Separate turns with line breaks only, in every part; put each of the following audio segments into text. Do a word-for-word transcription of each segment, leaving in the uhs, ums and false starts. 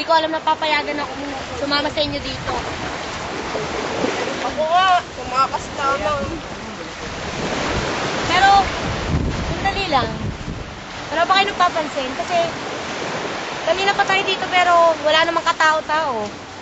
Hindi ko alam na papayagan ako sumama sa inyo dito.
Ako nga, tumakas lamang.
Pero, sandali lang. Wala ba kayo nagpapansin? Kasi, kanina pa tayo dito pero wala namang katao-tao.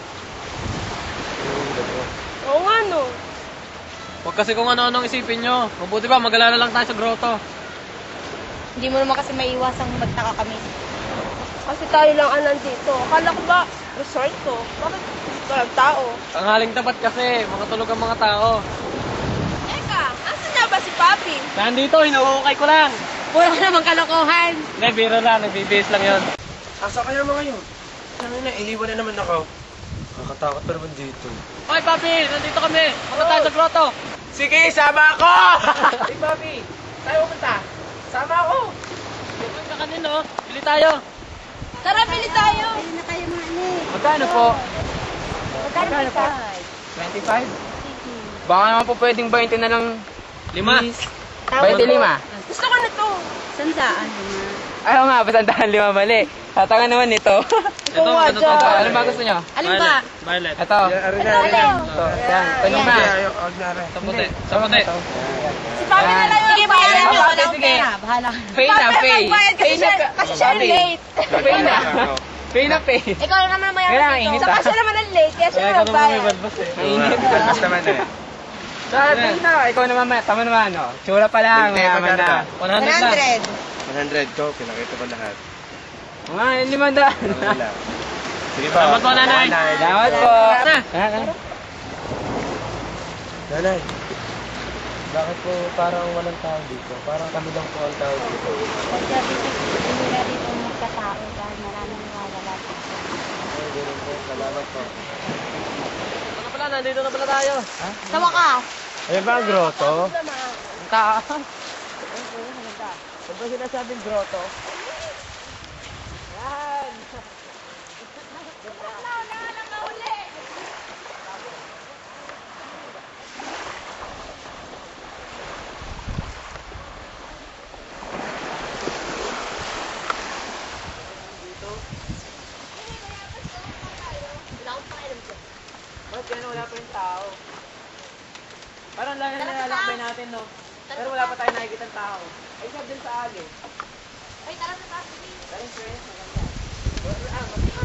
Oo nga, no.
Huwag kasi kung ano-anong isipin nyo. Mabuti ba, mag-alala lang tayo sa grotto.
Hindi mo naman kasi maiiwasang magtaka kami.
Kasi tayo lang ang nandito. Akala ko ba, resort to? Bakit walang tao?
Tanghaling tapat kasi, mga tulog ang mga tao.
Eka, asan na ba si Papi?
Nandito, hinuhukay ko lang.
Puro ka namang kalokohan.
Hindi, biro lang, nagbibihis lang yun.
Asa kaya mga yun? Ano na, iniwan na naman ako. Nakakatakot pa naman dito.
Hoy, Papi, nandito kami. Punta tayo sa grotto.
Sige, sama ako! Hey, Papi, tayo pumunta. Sama ako.
Huwag ka kanino, bili tayo.
Tara, bili tayo!
Ayun na kayo mga ane.
Magkano po?
Magkano pa?
twenty-five? Baka naman po pwedeng twenty na lang.
Lima.
twenty-lima?
Gusto ko na to.
Sandaan naman.
Ayaw nga, basandahan lima mali. Tatanga naman nito.
Ito,
nga
ito,
dyan.
ito.
Ano ba gusto nyo?
Alin ba?
Violet.
Ito.
Ito, alin?
Ito. Yan. Ito lima.
Sa puti. Sa puti.
Si Papi na lang yung
Sige, bayaran nyo.
Ah,
Wala akong
sige.
pera. Bahala ka.
Pay na,
Papi,
pay.
magbayad kasi
Pay na,
siya- kasi siya
Papi.
late.
Pay na. Pay na, pay.
Ikaw lang naman mayaman
Kailangan
dito.
init.
Saka siya naman ang late, kaya siya
Kaya ka naman may
nagbayad.
balbas eh.
Mainit. Basta naman eh. Sabi na, ikaw naman, ma- tama naman, no? Tsura pa lang, mayaman na.
one hundred na.
one hundred ko, pinakita ko lahat.
Mga limandaan.
Wala. Sige ba?
Salamat po, nanay.
Salamat po.
Na.
Nanay, bakit po parang walang tao dito? Parang kami lang po ang tao dito.
Pagka dito, hindi na dito magkatao dahil maraming nawawala dito.
Ay, ganun po. Salamat po.
Ano pala, nandito na pala tayo.
Sa wakas.
Ayun ba ang grotto?
Ang taas.
Ano ba sinasabing grotto?
Ba't yan, wala pa yung tao? Parang lang na nilalakbay natin, no? Pero wala pa tayo nakikita ng tao. Ay, sabi din sa ali.
Ay, tara sa taas.
Dahil friends, maganda.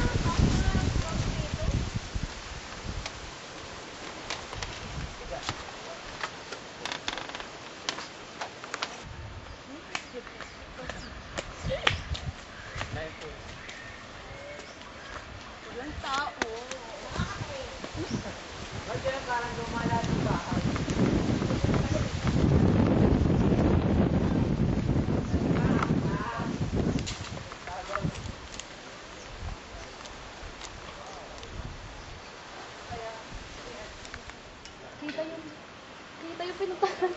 Walang tao.
Ba't yan parang lumala ng bahay?
Kita yung, kita yung pinuntahan.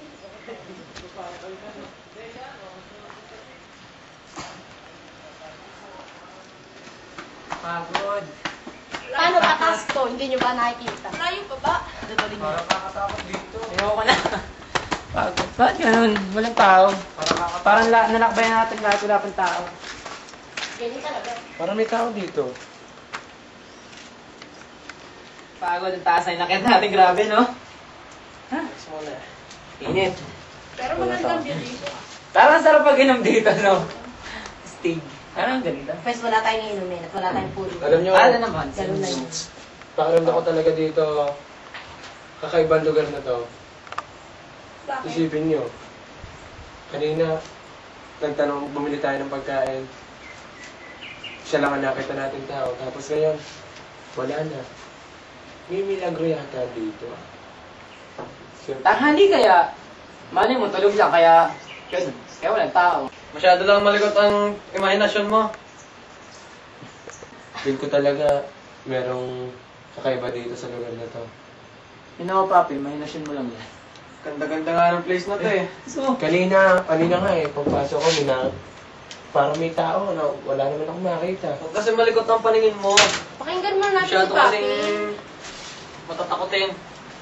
Pagod.
Paano ba taas to? Hindi nyo ba nakikita?
Malayo pa ba?
Parang kakatakot dito. Ayoko na. Pagod. Ba't ganun? Walang tao. Parang la nalakbayan natin lahat, wala pang tao.
Ganyan talaga.
Parang may tao dito.
Pagod ang taas ay nakita natin, grabe, no? Ha? Init.
Pero magandang view dito.
Parang sarap pag inom dito, no? Stig. Parang ganito.
First, wala tayong inumin at wala tayong puro.
Alam nyo,
Ano naman?
Ganun na yun.
pakiramdam ko talaga dito, kakaibang lugar na to.
Bakit?
Isipin nyo, kanina, nagtanong, bumili tayo ng pagkain. Siya lang ang nakita natin tao. Tapos ngayon, wala na. May milagro yata dito. Siyempre,
Tanghali kaya, mali mo, tulog lang, kaya, ganun. Kaya walang tao.
Masyado lang malikot ang imahinasyon mo.
feel ko talaga merong kakaiba dito sa lugar na to.
Yun ako, papi, mahinasyon mo lang yan.
Ganda-ganda nga ng place na to eh.
So,
Kanina, kanina nga eh, pagpasok ko, mina, parang may tao na wala naman akong makita.
Huwag kasi malikot ang paningin mo.
Pakinggan mo natin
Masyado
si Papi.
kasing matatakotin.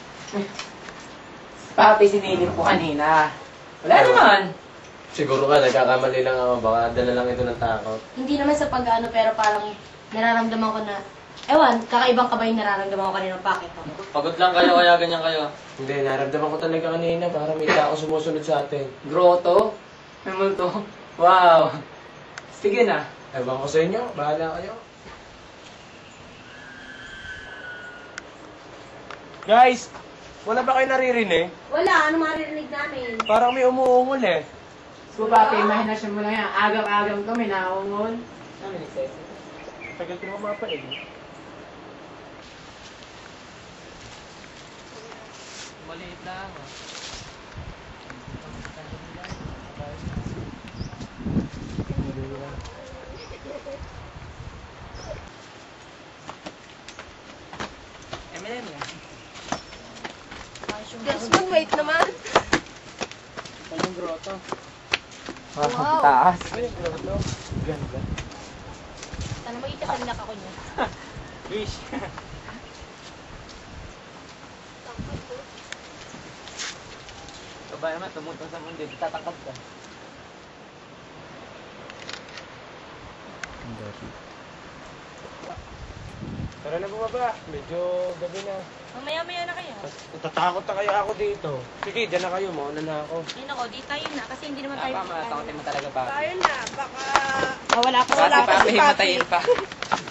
papi, sinilip ko kanina. Wala naman.
Siguro ka, nagkakamali lang ako, baka dala lang ito ng takot.
Hindi naman sa pag-ano, pero parang nararamdaman ko na, ewan, kakaibang ka ba yung nararamdaman ko kanina ng packet ko?
Pagod lang kayo, kaya ganyan kayo.
Hindi, naramdaman ko talaga kanina para may tao sumusunod sa atin.
Grotto? May multo? Wow! Sige na.
Ewan ko sa inyo, bahala kayo. Guys, wala ba kayo naririnig?
Wala, ano maririnig namin?
Parang may umuungol eh.
So, papi, imahinasyon mo lang yan. Agam-agam to, may naungon. Ano, nagsasabi?
Tagal ko naman mapanig.
Maliit lang. ah.
M and M yan.
Desmond, wait naman.
Anong grotto?
Wow.
Taas.
Ay, grabe. Ganda.
Sana makita sa linak ako niya.
Wish. Aba naman, tumutong sa mundo. Tatakad ka.
Tara na bumaba. Medyo gabi na.
Mamaya-maya na kaya.
Natatakot na kaya ako dito. Sige, dyan na kayo. Mauna na ako.
Yun ako, di tayo na kasi hindi naman tayo.
Tama, takotin mo talaga, papi.
Tayo na, baka...
Ah, wala ako,
Papi,
wala ako.
papi, himatayin pa.